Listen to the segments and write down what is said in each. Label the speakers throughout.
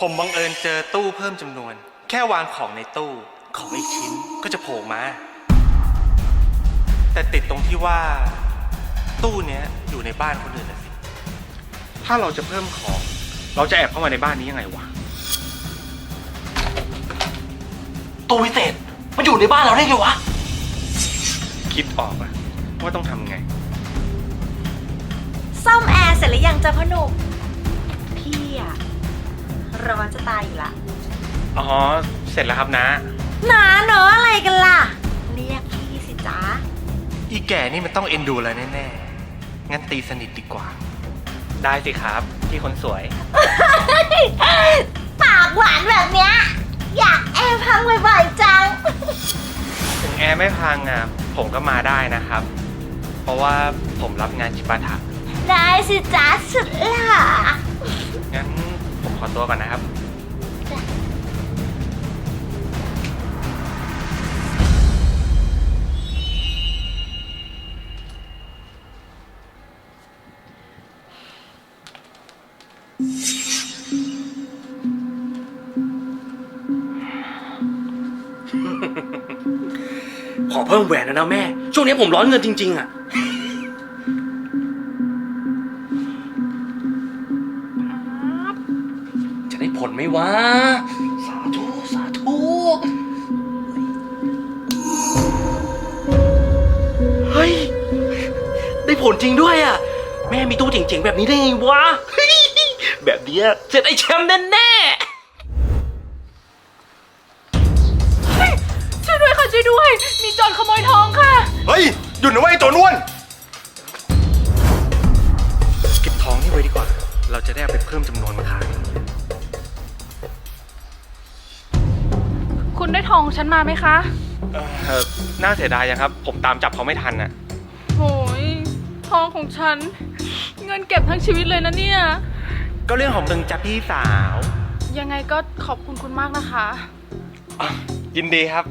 Speaker 1: ผมบังเอิญเจอตู้เพิ่มจำนวน แค่วางของในตู้ของอีกชิ้นก็จะโผล่มาแต่ติดตรงที่ว่าตู้เนี้ยอยู่ในบ้านคนอื่นนะสิถ้าเราจะเพิ่มของเราจะแอบเข้ามาในบ้านนี้ยังไงวะ
Speaker 2: ตู้วิเศษมันอยู่ในบ้านเราได้ไงวะ
Speaker 1: คิดออกอะว่าต้องทำไง
Speaker 3: ซ่อมแอร์เสร็จหรือยังจ๊ะพ่อหนุ่มพี่อะร้อนจะตายอยู่ละ
Speaker 1: อ๋อเสร็จแล้วครับนะ
Speaker 3: นาเนอะอะไรกันล่ะเรียกพี่สิจ๊ะ
Speaker 1: อีแก่นี่มันต้องเอ็นดูแล้วแน่ๆงั้นตีสนิทดีกว่าได้สิครับพี่คนสวย
Speaker 3: ปากหวานแบบเนี้ยอยากแอบพังบ่อยๆจัง
Speaker 1: ถึงแอร์ไม่พังอ่ะผมก็มาได้นะครับเพราะว่าผมรับงานจิปาถะ
Speaker 3: ได้สิจ๊ะสุดหล่อ
Speaker 1: งั้นผมขอตัวก่อนนะครับ
Speaker 2: ขอเพิ่มแหวนนะแม่ช่วงนี้ผมร้อนเงินจริงๆอ่ะจะได้ผลไหมวะสาธุสาธุเฮ้ยได้ผลจริงด้วยอ่ะแม่มีตู้เจ๋งๆแบบนี้ได้ไงวะแบบนี้เสร็จไอ้แชมป์แน่ๆ
Speaker 4: ช่วยด้วยค่ะช่วยด้วยมีโจรขโมยทองค่ะ
Speaker 1: เฮ้ยหยุดนะเว้ยตัวนวลเก็บทองนี่ไว้ดีกว่าเราจะได้เอาไปเพิ่มจำนวนมาขาย
Speaker 4: คุณได้ทองฉันมาไหมคะ
Speaker 1: น่าเสียดายยังครับผมตามจับเขาไม่ทันน่ะ
Speaker 4: โหยทองของฉันเงินเก็บทั้งชีวิตเลยนะเนี่ย
Speaker 1: ก็เรื่องของมึงจ้ะพี่สาว
Speaker 4: ยังไงก็ขอบคุณคุณมากนะคะ
Speaker 1: ยินดีครับ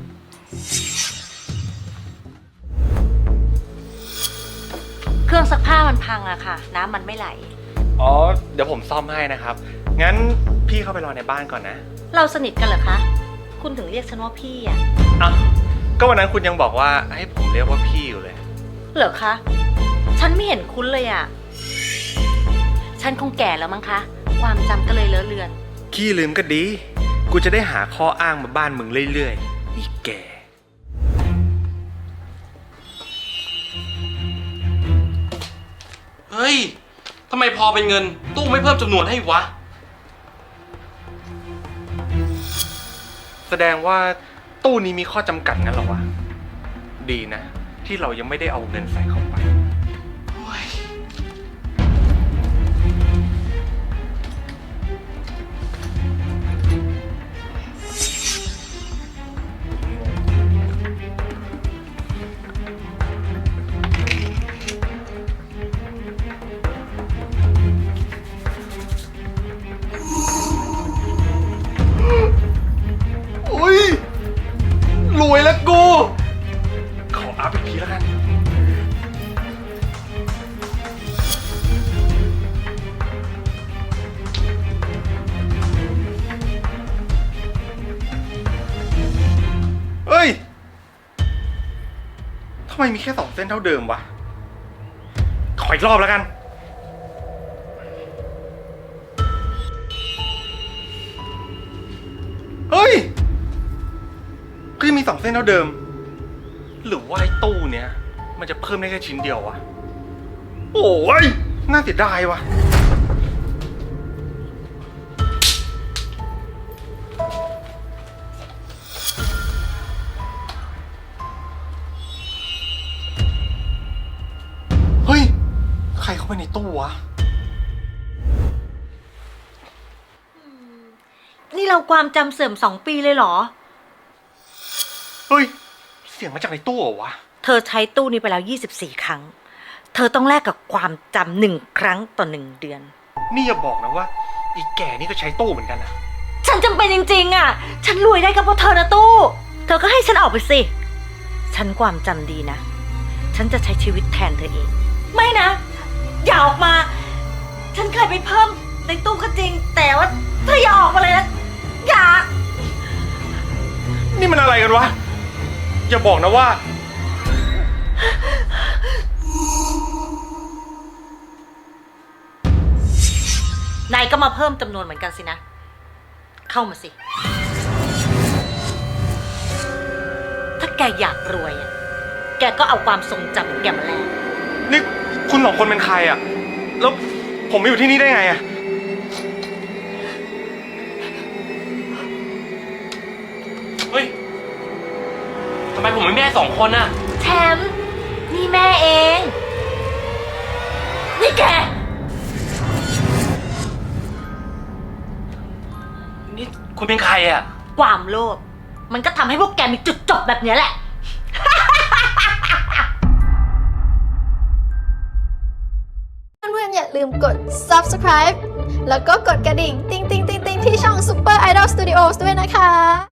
Speaker 3: เครื่องซักผ้ามันพังอะค่ะน้ำมันไม่ไหล
Speaker 1: อ๋อเดี๋ยวผมซ่อมให้นะครับงั้นพี่เข้าไปรอในบ้านก่อนนะ
Speaker 3: เราสนิทกันเหรอคะคุณถึงเรียกฉันว่าพี่อะ
Speaker 1: อ้าวก็วันนั้นคุณยังบอกว่าให้ผมเรียกว่าพี่อยู่เลย
Speaker 3: เหรอคะฉันไม่เห็นคุ้นเลยอะฉันคงแก่แล้วมั้งคะความจำก็เลยเลอะเลือน
Speaker 1: ขี้ลืมก็ดีกูจะได้หาข้ออ้างมาบ้านมึงเรื่อยๆอีแก่
Speaker 2: เฮ้ยทำไมพอเป็นเงินตู้ไม่เพิ่มจำนวนให้วะ
Speaker 1: แสดงว่าตู้นี้มีข้อจำกัดงั้นเหรอวะดีนะที่เรายังไม่ได้เอาเงินใส่เข้าไปรวยแล้วกูขออัพอีกทีแล้วกันเฮ้ยทำไมมีแค่2 เส้นเท่าเดิมวะขออีกรอบแล้วกันเฮ้ยก็ยังมี2 เส้นเท่าเดิมหรือว่าไอ้ตู้เนี้ยมันจะเพิ่มได้แค่ชิ้นเดียววะโอ้ยน่าเสียดายวะเฮ้ยใครเข้าไปในตู้วะ
Speaker 3: นี่เราความจำเสื่อม2 ปีเลยเหรอ
Speaker 1: เฮ้ยเสียงมาจากในตู้เหรอวะ
Speaker 3: เธอใช้ตู้นี้ไปแล้ว24 ครั้งเธอต้องแลกกับความจำ1 ครั้งต่อ1 เดือน
Speaker 1: นี่อย่าบอกนะว่าอีแก่นี่ก็ใช้ตู้เหมือนกันนะ
Speaker 3: ฉันจำเป็นจริงๆอ่ะฉันรวยได้ก็เพราะเธอนะตู้เธอก็ให้ฉันออกไปสิฉันความจำดีนะฉันจะใช้ชีวิตแทนเธอเองไม่นะอย่าออกมาฉันเคยไปเพิ่มในตู้ก็จริงแต่ว่าเธออย่าออกมาเลยนะ
Speaker 1: อะไรกันวะ อย่าบอกนะว่า
Speaker 3: นายก็มาเพิ่มจำนวนเหมือนกันสินะ เข้ามาสิ ถ้าแกอยากรวยอะแกก็เอาความทรงจำของแกมาแลก
Speaker 1: นี่คุณสองคนเป็นใครอะแล้วผมมาอยู่ที่นี่ได้ไงอะ
Speaker 2: เฮ้ย ทำไมผมไม่แม่2 คนน่ะ
Speaker 3: แชมป์นี่แม่เอง นี่แก
Speaker 2: นี่คุณเป็นใครอ่ะ
Speaker 3: ความโลภมันก็ทำให้พวกแกมีจุดจบแบบเนี้ยแหละ
Speaker 5: เพื่อนๆอย่าลืมกด subscribe แล้วก็กดกระดิ่ง ติ๊งๆๆๆที่ช่อง Super Idol Studios ด้วยนะคะ